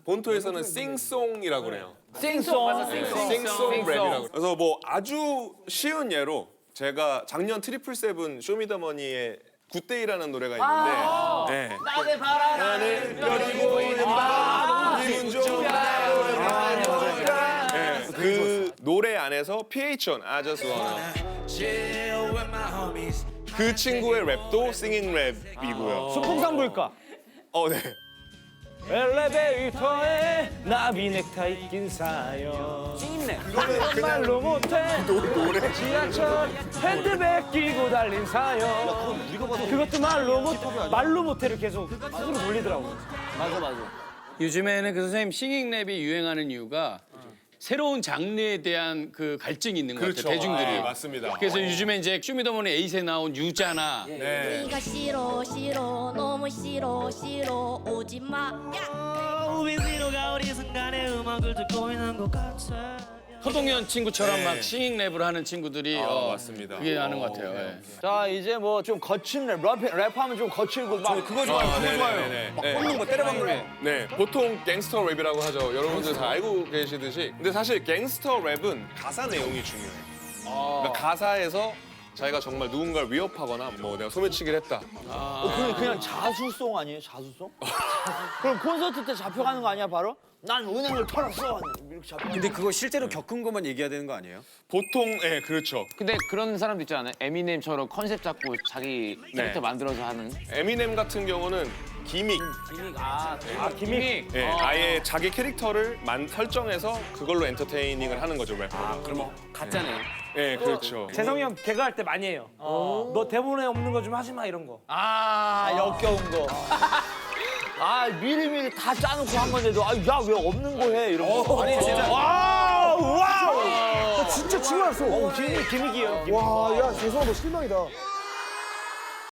본토에서는 싱송이라고 그래요. 싱송. 싱송 랩이라고. 그래서 뭐 아주 쉬운 예로 제가 작년 트리플 세븐 쇼미더머니의 굿데이라는 노래가 있는데 네. 나의 바라는 별이 보이는 밤 그 노래 안에서 PH1 I Just Wanna 그 친구의 랩도 싱잉 랩이고요. 순풍산부일까? 네. 엘리베이터에 나비 넥타이 낀 사연 찐네 말로 못해 노래 지하철 핸드백 끼고 달린 사연 그것도 말로 못해를 계속 스스로 돌리더라고. 맞아. 요즘에는 그 선생님 싱잉랩이 유행하는 이유가 새로운 장르에 대한 그 갈증이 있는 것 같아요, 대중들이. 네, 맞습니다. 그래서 요즘에 이제 쇼미더머니 에잇에 나온 유자나 네. 네가 싫어 싫어 너무 싫어 오지 마. 우리 위로가 어디 순간에 음악을 듣고 있는 것 같아. 서동현 친구처럼 네. 막 싱잉랩을 하는 친구들이 맞습니다. 그게 하는 것 같아요. 예. 자 이제 뭐 좀 거친 랩하면 좀 거칠고 막 그거 좋아요. 그거 좋아요. 막 꽂는 거 때려박는 거. 네, 보통 갱스터 랩이라고 하죠. 여러분들 다 알고 계시듯이. 근데 사실 갱스터 랩은 가사 내용이 중요해요. 그러니까 가사에서 자기가 정말 누군가를 위협하거나 뭐 내가 소매치기를 했다. 그냥 자수송 아니에요? 자수송? 그럼 콘서트 때 잡혀가는 거 아니야 바로? 난 은행을 털었어 이렇게 잡혀. 근데 그거 실제로 겪은 것만 얘기해야 되는 거 아니에요? 보통 그렇죠. 근데 그런 사람도 있지 않아요? 에미넴처럼 컨셉 잡고 자기 캐릭터 만들어서 하는. 에미넴 같은 경우는 기믹. 기믹. 아예 자기 캐릭터를 설정해서 그걸로 엔터테이닝을 하는 거죠 래퍼가. 그럼 가짜네요. 네, 그렇죠. 재성이 형 개그할 때 많이 해요. 너 대본에 없는 거 좀 하지 마 이런 거. 역겨운 거. 미리미리 다 짜놓고 한 건데도 야 왜 없는 거 해 이런 거. 아니 진짜 와우. 진짜 치고 났어. 기믹이에요. 와, 야 재성아 너 실망이다.